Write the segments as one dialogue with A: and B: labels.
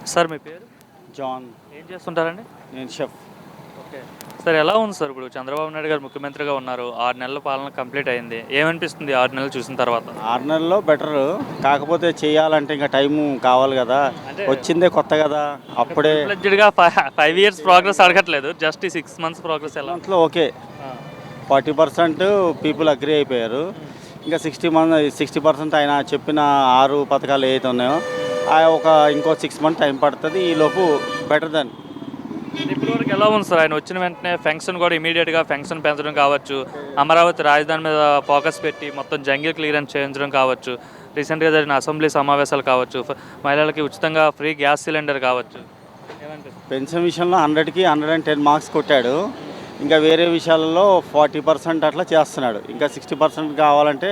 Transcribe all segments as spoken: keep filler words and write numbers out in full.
A: Sir మీ పేరు?
B: John.
A: ఏం చేస్తుంటారండి?
B: నేను షెఫ్.
A: ఓకే. సార్ ఎలా ఉంది సార్ ఇప్పుడు చంద్రబాబు నాయుడు గారు ముఖ్యమంత్రిగా ఉన్నారు. ఆరు నెలల పాలన కంప్లీట్ అయింది. ఏమనిపిస్తుంది ఆరు నెలలు చూసిన తర్వాత?
B: ఆరు నెలల్లో బెటరు. కాకపోతే చేయాలంటే ఇంకా టైము కావాలి కదా.
A: అంటే
B: వచ్చిందే కొత్త కదా. అప్పుడే
A: ఫ్లెడ్జ్డ్గా ఫైవ్ ఇయర్స్ ప్రోగ్రెస్ అడగట్లేదు, జస్ట్ ఈ సిక్స్ మంత్స్ ప్రోగ్రెస్ ఎలా?
B: దాంట్లో okay forty percent people agree అయిపోయారు. ఇంకా సిక్స్టీ మంత్ సిక్స్టీ పర్సెంట్ ఆయన చెప్పిన ఆరు పథకాలు ఏవైతే ఉన్నాయో ఆ ఒక ఇంకో సిక్స్ మంత్ టైం పడుతుంది. ఈలోపు బెటర్ దెన్.
A: ఇప్పటివరకు ఎలా ఉంది సార్? ఆయన వచ్చిన వెంటనే ఫెన్షన్ కూడా ఇమీడియట్గా ఫెన్షన్ పెంచడం కావచ్చు, అమరావతి రాజధాని మీద ఫోకస్ పెట్టి మొత్తం జంగిల్ క్లియరెన్స్ చేయించడం కావచ్చు, రీసెంట్గా జరిగిన అసెంబ్లీ సమావేశాలు కావచ్చు, ఫ- మహిళలకి ఉచితంగా ఫ్రీ గ్యాస్ సిలిండర్ కావచ్చు. ఏమనిపిస్తుంది?
B: పెన్షన్ విషయంలో హండ్రెడ్కి హండ్రెడ్ అండ్ టెన్ మార్క్స్ కొట్టాడు. ఇంకా వేరే విషయాలలో ఫార్టీ పర్సెంట్ అట్లా చేస్తున్నాడు. ఇంకా సిక్స్టీ పర్సెంట్ కావాలంటే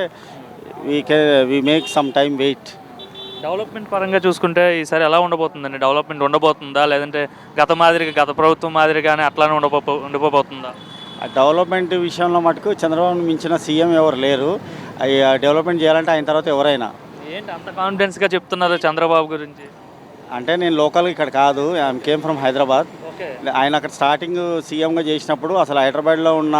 B: వీ కే we make some time wait.
A: Development పరంగా చూసుకుంటే ఈసారి ఎలా ఉండబోతుందండి? డెవలప్మెంట్ ఉండబోతుందా, లేదంటే గత మాదిరిగా గత ప్రభుత్వం మాదిరిగానే అట్లానే ఉండబో ఉండిపోతుందా?
B: ఆ డెవలప్మెంట్ విషయంలో మటుకు చంద్రబాబును మించిన సీఎం ఎవరు లేరు. అవి డెవలప్మెంట్ చేయాలంటే ఆయన తర్వాత ఎవరైనా.
A: ఏంటి అంత కాన్ఫిడెన్స్గా చెప్తున్నారు చంద్రబాబు గురించి?
B: అంటే నేను లోకల్ ఇక్కడ కాదు, I'm came from Hyderabad.
A: Okay.
B: ఆయన అక్కడ స్టార్టింగ్ సీఎంగా చేసినప్పుడు అసలు హైదరాబాద్లో ఉన్న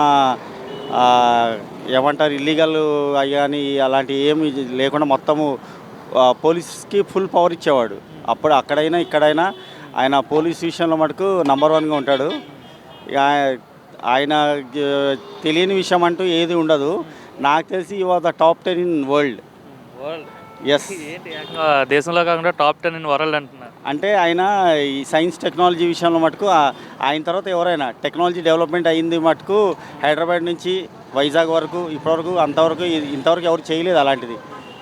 B: ఆ, ఏమంటారు ఇల్లీగల్ అయ్యాని అలాంటి ఏమి లేకుండా మొత్తము ఆ, పోలీస్కి ఫుల్ పవర్ ఇచ్చేవాడు. అప్పుడు అక్కడైనా ఇక్కడైనా ఆయన పోలీస్ విషయంలో మటుకు నంబర్ వన్గా ఉంటాడు. ఇక ఆయ- ఆయన ఆ, తెలియని విషయం అంటూ ఏది ఉండదు. నాకు తెలిసి ఈ was the top ten in world.
A: World
B: yes.
A: ఏంటి ఏకంగా దేశంలో కాకుండా టాప్ టెన్ ఇన్ వరల్డ్ అంటున్నారు?
B: అంటే ఆయన ఈ సైన్స్ టెక్నాలజీ విషయంలో మటుకు ఆ- ఆయన తర్వాత ఎవరైనా టెక్నాలజీ డెవలప్మెంట్ అయ్యింది మటుకు హైదరాబాద్ నుంచి వైజాగ్ వరకు ఇప్పటివరకు అంతవరకు ఇ- ఇంతవరకు ఎవరు చేయలేదు అలాంటిది.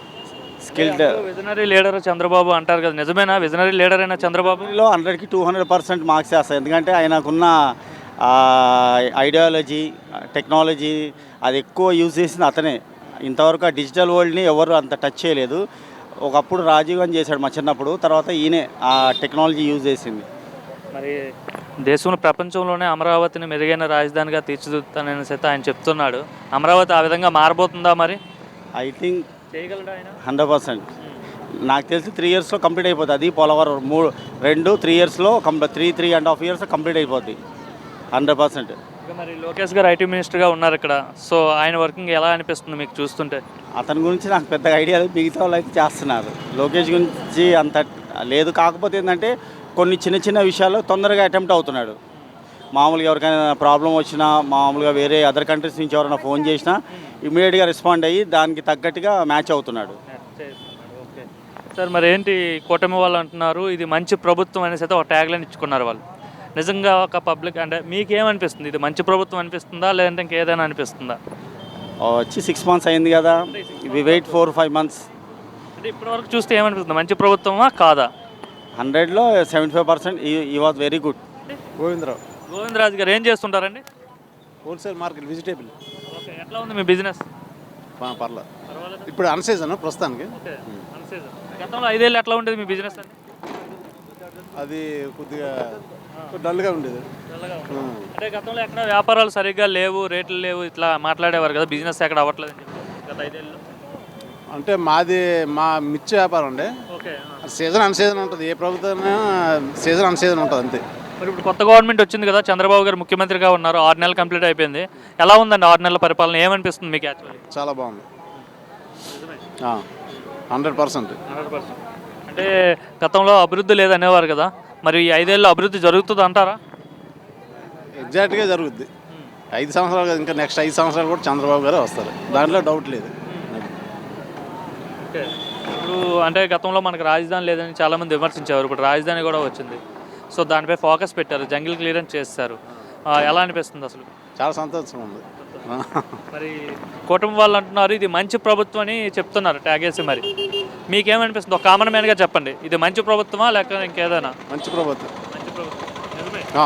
B: స్కిల్డ్
A: విజనరీ లీడర్ చంద్రబాబు అంటారు కదా, నిజమేనా? విజనరీ లీడర్ అయినా చంద్రబాబు?
B: లో హండ్రెడ్కి టూ హండ్రెడ్ పర్సెంట్ మార్క్స్ వేస్తాయి. ఎందుకంటే ఆయనకున్న ఐడియాలజీ టెక్నాలజీ అది ఎక్కువ యూజ్ చేసింది అతనే. ఇంతవరకు ఆ డిజిటల్ వరల్డ్ని ఎవరు అంత టచ్ చేయలేదు. ఒకప్పుడు రాజీవ్ గాంధీ చేశాడు మా చిన్నప్పుడు, తర్వాత ఈయనే ఆ టెక్నాలజీ యూజ్ చేసింది.
A: మరి దేశంలో ప్రపంచంలోనే అమరావతిని మెరుగైన రాజధానిగా తీర్చిదిద్దుతానని అయితే ఆయన చెప్తున్నాడు. అమరావతి ఆ విధంగా మారబోతుందా? మరి
B: ఐ థింక్
A: చేయగలడా ఆయన?
B: హండ్రెడ్ పర్సెంట్ నాకు తెలిసి త్రీ ఇయర్స్లో కంప్లీట్ అయిపోతుంది. అది పోలవరం మూడు రెండు త్రీ ఇయర్స్లో complete three three and half years complete అయిపోద్ది హండ్రెడ్ పర్సెంట్.
A: ఇక మరి లోకేష్ గారు ఐటీ మినిస్టర్గా ఉన్నారు ఇక్కడ. సో ఆయన వర్కింగ్ ఎలా అనిపిస్తుంది మీకు చూస్తుంటే?
B: అతని గురించి నాకు పెద్దగా ఐడియా లేదు, మిగతా వాళ్ళు అయితే చేస్తున్నారు. లోకేష్ గురించి అంత లేదు. కాకపోతే ఏంటంటే కొన్ని చిన్న చిన్న విషయాల్లో తొందరగా అటెంప్ట్ అవుతున్నాడు. మామూలుగా ఎవరికైనా ప్రాబ్లం వచ్చినా, మామూలుగా వేరే అదర్ కంట్రీస్ నుంచి ఎవరైనా ఫోన్ చేసినా ఇమీడియట్గా రెస్పాండ్ అయ్యి దానికి తగ్గట్టుగా మ్యాచ్ అవుతున్నాడు.
A: ఓకే సార్, మరి ఏంటి కూటమి వాళ్ళు అంటున్నారు ఇది మంచి ప్రభుత్వం అనేసి అయితే ఒక ట్యాగ్లైన్ ఇచ్చుకున్నారు వాళ్ళు. నిజంగా ఒక పబ్లిక్ అంటే మీకేమనిపిస్తుంది? ఇది మంచి ప్రభుత్వం అనిపిస్తుందా, లేదంటే ఇంకేదైనా అనిపిస్తుందా?
B: వచ్చి సిక్స్ మంత్స్ అయింది కదా, we wait four five months.
A: అంటే ఇప్పటివరకు చూస్తే ఏమనిపిస్తుంది? మంచి ప్రభుత్వమా కాదా?
B: హండ్రెడ్లో సెవెంటీ ఫైవ్ పర్సెంట్ ఈ was very good.
C: Govindarao,
A: Govindaraju garu ఏం చేస్తుంటారండి?
C: Wholesale market vegetable.
A: ఓకే, ఎట్లా ఉంది మీ బిజినెస్?
C: పర్లేదు.
A: పర్వాలేదు.
C: ఇప్పుడు అన్సీజన్ ప్రస్తుతానికి.
A: Okay, unseason. గతంలో ఐదేళ్ళు ఎట్లా ఉండేది మీ బిజినెస్ అండి?
C: అది కొద్దిగా డల్గా ఉండేది.
A: చల్లగా ఉంది. అంటే గతంలో ఎక్కడ వ్యాపారాలు సరిగ్గా లేవు, రేట్లు లేవు, ఇట్లా మాట్లాడేవారు కదా, బిజినెస్ ఎక్కడ అవ్వట్లేదు అని చెప్పి గత ఐదేళ్ళు.
C: అంటే మాది మా మిర్చి వ్యాపారం అండి.
A: ఓకే.
C: సీజన్ అన్సీజన్ ఉంటుంది. ఏ ప్రభుత్వం సీజన్ అన్సీజన్ ఉంటుంది అంతే.
A: మరి ఇప్పుడు కొత్త గవర్నమెంట్ వచ్చింది కదా, చంద్రబాబు గారు ముఖ్యమంత్రిగా ఉన్నారు, ఆరు నెలలు కంప్లీట్ అయిపోయింది. ఎలా ఉందండి ఆరు నెలల పరిపాలన? ఏమనిపిస్తుంది మీకు యాక్చువల్లీ?
C: చాలా బాగుంది. Hundred percent.
A: Hundred percent. అంటే గతంలో అభివృద్ధి లేదనేవారు కదా, మరి ఈ ఐదేళ్ళు అభివృద్ధి జరుగుతుంది అంటారా?
C: ఎగ్జాక్ట్గా జరుగుద్ది. ఐదు సంవత్సరాలు కాదు, ఇంకా నెక్స్ట్ ఐదు సంవత్సరాలు కూడా చంద్రబాబు గారే వస్తారు, దాంట్లో డౌట్ లేదు.
A: ఓకే. ఇప్పుడు అంటే గతంలో మనకు రాజధాని లేదని చాలామంది విమర్శించేవారు, ఇప్పుడు రాజధాని కూడా వచ్చింది. సో దానిపై ఫోకస్ పెట్టారు, జంగిల్ క్లియరెన్స్ చేస్తారు. ఆ, ఎలా అనిపిస్తుంది అసలు?
C: చాలా సంతోషంగా ఉంది.
A: మరి కుటుంబం వాళ్ళు అంటున్నారు ఇది మంచి ప్రభుత్వం అని చెప్తున్నారు ట్యాగేసి. మరి మీకేమనిపిస్తుంది? ఒక కామన్ మ్యాన్గా చెప్పండి, ఇది మంచి ప్రభుత్వమా లేక ఇంకేదైనా?
C: మంచి ప్రభుత్వం.
A: మంచి ప్రభుత్వం. నిజమే.
C: ఆ.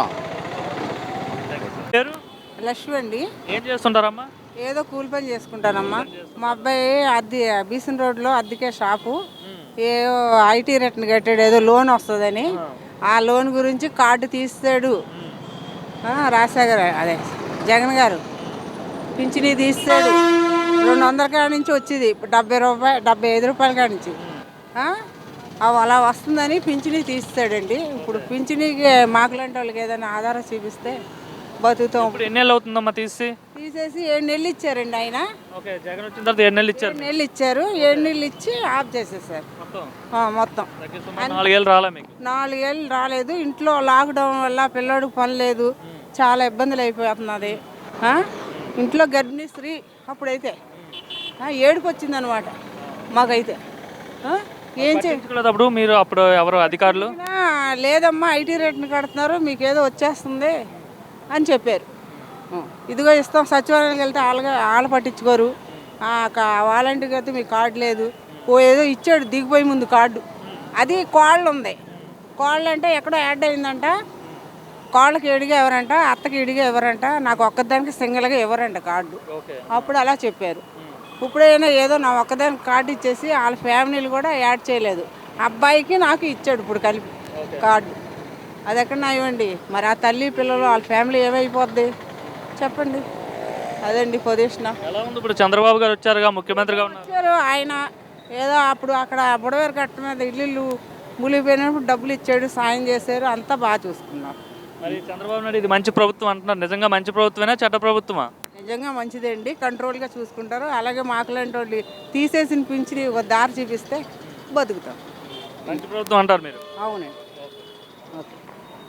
A: పేరు?
D: లక్ష్మి అండి.
A: ఏం చేస్తుంటారమ్మా?
D: ఏదో కూలి పని చేసుకుంటానమ్మా. మా అబ్బాయి అద్దె బీసన్ రోడ్లో అద్దెకే షాపు, ఏదో ఐటీ రిటర్న్ కట్టాడు, ఏదో లోన్ వస్తుందని. ఆ లోన్ గురించి కార్డు తీస్తాడు రాజశేఖర్, అదే జగన్ గారు పింఛనీ తీస్తాడు. రెండు వందల కాడ నుంచి వచ్చేది డెబ్బై రూపాయలు డెబ్బై ఐదు రూపాయల కాడ నుంచి అవి అలా వస్తుందని పింఛనీ తీస్తాడండి. ఇప్పుడు పింఛనీకి మాకులాంటి వాళ్ళకి ఏదైనా ఆధారం చూపిస్తే బతుకుతాం.
A: ఇప్పుడు ఎన్ని నెలలు అవుతుందమ్మా తీసి?
D: తీసేసి ఏడు నెలలు ఇచ్చారండి ఆయన.
A: ఓకే, జగన్ వచ్చిన తర్వాత ఏడు నెలలు ఇచ్చారు.
D: ఏడు నెలలు ఇచ్చారు. ఏడు నెలలు ఇచ్చి ఆఫ్ చేసేసారు
A: మొత్తం
D: ఆ, మొత్తం
A: నాలుగేళ్ళు రాలే మీకు?
D: నాలుగేళ్ళు రాలేదు. ఇంట్లో లాక్డౌన్ వల్ల పిల్లోడికి పని లేదు, చాలా ఇబ్బందులు అయిపోతున్నది. ఆ? ఇంట్లో గర్భిణీ స్త్రీ అప్పుడైతే ఆ, ఏడుపు వచ్చిందనమాట మాకైతే. ఆ? ఏం చే
A: పట్టించుకోలేదప్పుడు మీరు? అప్పుడు ఎవరు అధికారులు?
D: ఆ, లేదమ్మా ఐటీ రేట్ని కడుతున్నారు, మీకు ఏదో వచ్చేస్తుంది అని చెప్పారు. ఆ, ఇదిగో ఇస్తాం. సచివాలయానికి వెళ్తే వాళ్ళగా వాళ్ళు పట్టించుకోరు. వాలంటీర్కి అయితే మీకు కార్డు లేదు. ఓ ఏదో ఇచ్చాడు దిగిపోయి ముందు కార్డు, అది కోళ్ళు ఉంది. కోళ్ళు అంటే ఎక్కడో యాడ్ అయిందంట. కోళ్ళకి ఎడిగా ఎవరంట, అత్తకి ఎడిగా ఎవరంట, నాకు ఒక్కదానికి సింగిల్గా ఎవరంట కార్డు. అప్పుడు అలా చెప్పారు. ఇప్పుడైనా ఏదో నా ఒక్కదానికి కార్డు ఇచ్చేసి వాళ్ళ ఫ్యామిలీలు కూడా యాడ్ చేయలేదు. అబ్బాయికి నాకు ఇచ్చాడు ఇప్పుడు కలిపి కార్డు. అది ఎక్కడ నా ఇవ్వండి. మరి ఆ తల్లి పిల్లలు వాళ్ళ ఫ్యామిలీ ఏమైపోద్ది చెప్పండి. అదండి పొజిషన్.
A: ఎలా ఉంది ఇప్పుడు? చంద్రబాబు గారు వచ్చారుగా, ముఖ్యమంత్రిగా ఉన్నారు.
D: వచ్చారు ఆయన. ఏదో అప్పుడు అక్కడ బుడవేరు కట్ట మీద ఇల్లు మునిగిపోయినప్పుడు డబ్బులు ఇచ్చాడు, సాయం చేశారు, అంతా బాగా చూసుకున్నారు.
A: మరి చంద్రబాబు నాయుడు ఇది మంచి ప్రభుత్వం అంటున్నారు. నిజంగా మంచి ప్రభుత్వమేనా, చెడ్డ ప్రభుత్వమా?
D: నిజంగా మంచిదే అండి. కంట్రోల్గా చూసుకుంటారు. అలాగే మాకులాంటి వాళ్ళు తీసేసిన పింఛని ఒక దారి చూపిస్తే బతుకుతాం.
A: మంచి ప్రభుత్వం అంటారు మీరు?
D: అవునండి. ఓకే.